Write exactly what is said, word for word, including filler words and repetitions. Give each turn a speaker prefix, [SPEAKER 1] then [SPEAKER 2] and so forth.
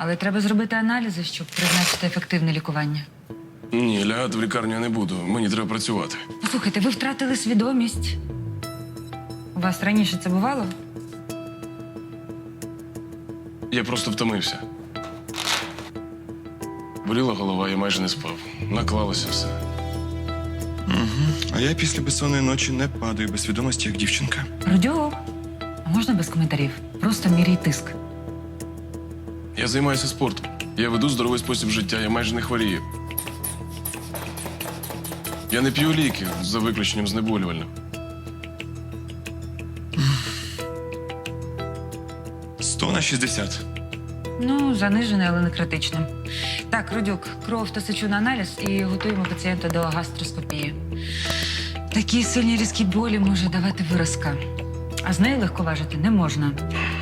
[SPEAKER 1] Але треба зробити аналізи, щоб призначити ефективне лікування.
[SPEAKER 2] Ні, лягати в лікарню я не буду. Мені треба працювати.
[SPEAKER 1] Послухайте, ви втратили свідомість. У вас раніше це бувало?
[SPEAKER 2] Я просто втомився. Боліла голова, я майже не спав. Наклалося все.
[SPEAKER 3] А я після безсонної ночі не падаю без свідомості, як дівчинка.
[SPEAKER 1] Родіо, а можна без коментарів? Просто міряй тиск.
[SPEAKER 2] Я займаюся спортом. Я веду здоровий спосіб життя, я майже не хворію. Я не п'ю ліки, за виключенням знеболювальних.
[SPEAKER 3] Сто на шістдесят.
[SPEAKER 1] Ну, занижене, але не критичне. Так, Родюк, кров та сечу на аналіз і готуємо пацієнта до гастроскопії. Такі сильні різкі болі може давати виразка. А з нею легковажити не можна.